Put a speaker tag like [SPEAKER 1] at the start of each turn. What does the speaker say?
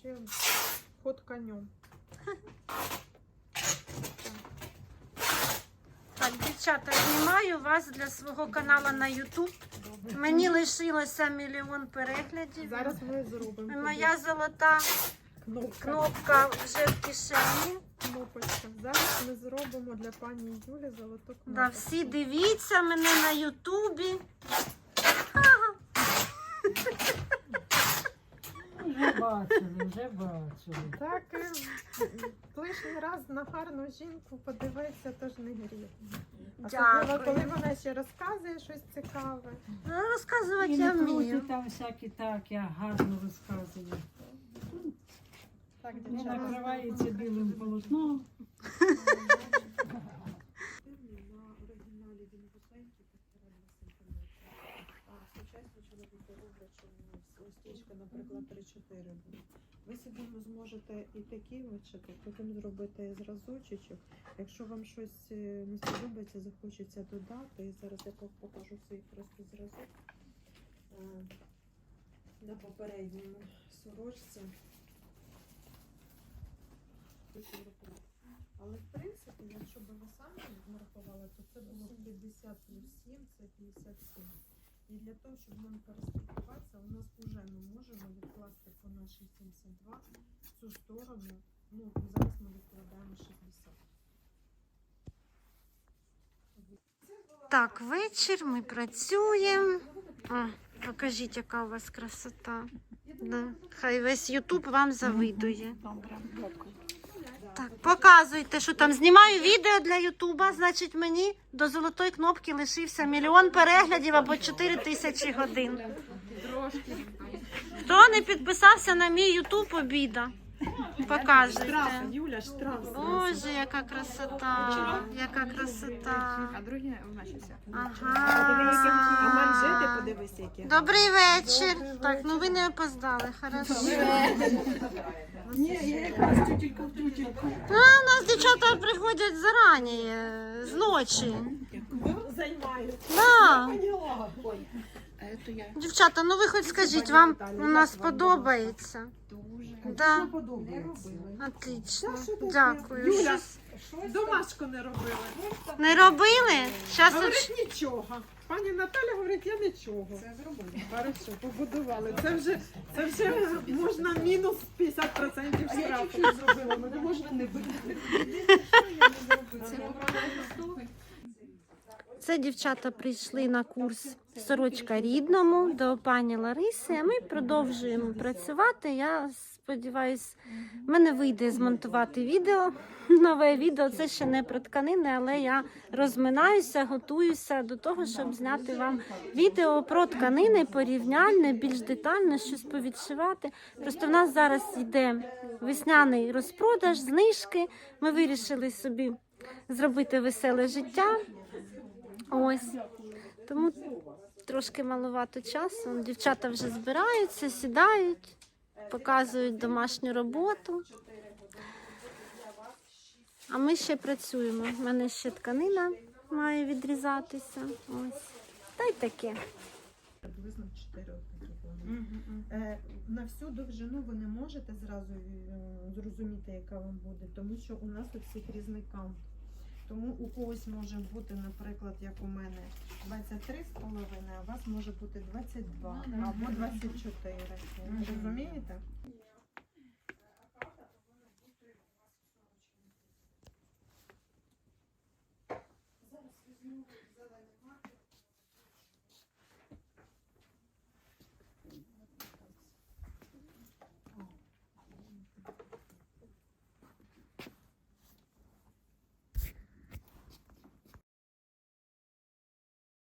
[SPEAKER 1] вообще ход конем.
[SPEAKER 2] Так, дівчата, знімаю вас для свого каналу на YouTube. Мені лишилося 1 мільйон переглядів.
[SPEAKER 1] Зараз ми зробимо.
[SPEAKER 2] Моя золота кнопка вже в кишені.
[SPEAKER 1] Кнопочка. Зараз ми зробимо для пані Юлі золоту кнопку.
[SPEAKER 2] Да, всі дивіться мене на Ютубі.
[SPEAKER 3] Вже бачили.
[SPEAKER 1] Так, лишній раз на гарну жінку подивитися теж не гріх. Особливо,
[SPEAKER 2] Дякую.
[SPEAKER 1] коли вона ще розказує щось цікаве.
[SPEAKER 2] Ну, розказувати
[SPEAKER 3] І
[SPEAKER 2] я
[SPEAKER 3] не крути
[SPEAKER 2] вмію.
[SPEAKER 3] там всякі так, я гарно розказую.
[SPEAKER 1] Так,
[SPEAKER 3] Не
[SPEAKER 1] дівчата.
[SPEAKER 3] накривається білим полотном.
[SPEAKER 1] На оригіналі він вузенький, 1,5 см. А сучасно чоловіки роблять, що листічка, наприклад, 3-4 буде. Ви собі зможете і такі вичити, потім зробити зразочечок. Якщо вам щось не сподобається, захочеться додати. І зараз я покажу свій просто зразок на попередньому сорочці. Але в принципі, якщо б ви самі маркували, то це було 50 плюс 7, це 57. І для того, щоб нам перестрахуватися, у нас вже ми можемо відкласти по нашій 72 в цю сторону. Ну, зараз ми відкладаємо 60.
[SPEAKER 2] Так, вечір, ми працюємо. Покажіть, яка у вас красота. Да. Хай весь Ютуб вам завидує. Так, показуйте, що там. Знімаю відео для Ютуба, значить мені до золотої кнопки лишився 1 мільйон переглядів або 4000 годин. Хто не підписався на мій Ютуб, обіда. Показуйте.
[SPEAKER 1] Юля, штраф.
[SPEAKER 2] Боже, яка красота, яка красота.
[SPEAKER 4] А другі в нашій все.
[SPEAKER 1] А манжети,
[SPEAKER 2] Ага.
[SPEAKER 1] подивись, які.
[SPEAKER 2] Добрий вечір. Так, ну ви не опоздали, хорошо.
[SPEAKER 4] Ні, я якраз тютелька в тютельку.
[SPEAKER 2] А, у нас дівчата приходять зарані, з ночі.
[SPEAKER 1] Займаюся.
[SPEAKER 2] Да.
[SPEAKER 4] А це я
[SPEAKER 2] Дівчата, ну ви хоч скажіть, вам у нас подобається?
[SPEAKER 4] дуже.
[SPEAKER 2] Да.
[SPEAKER 1] Подобається.
[SPEAKER 2] Отлично. Дякую.
[SPEAKER 1] Юля,
[SPEAKER 2] Щось
[SPEAKER 1] домашку не робили.
[SPEAKER 2] не робили? Щас
[SPEAKER 1] Говорить, нічого. Пані Наталя говорить, я нічого.
[SPEAKER 4] Це зробили.
[SPEAKER 1] Хорошо, побудували. Це вже можна мінус 50% штрафу.
[SPEAKER 4] Я зробила, мене можна не бити. Це
[SPEAKER 2] Це дівчата прийшли на курс «Сорочка рідному» до пані Лариси, а ми продовжуємо працювати. Я сподіваюся, в мене вийде змонтувати відео, нове відео. Це ще не про тканини, але я розминаюся, готуюся до того, щоб зняти вам відео про тканини, порівняльне, більш детально, щось повідшивати. Просто в нас зараз йде весняний розпродаж, знижки. Ми вирішили собі зробити веселе життя. Ось, тому трошки маловато часу. Дівчата вже збираються, сідають, показують домашню роботу. А ми ще працюємо. У мене ще тканина має відрізатися. Ось. Та й таке.
[SPEAKER 1] Приблизно 4 такі вони. На всю довжину ви не можете зразу зрозуміти, яка вам буде, тому що у нас у всіх різний каунт. Тому у когось може бути, наприклад, як у мене, 23,5, а у вас може бути 22 або 24. Розумієте? Зараз візьму задання.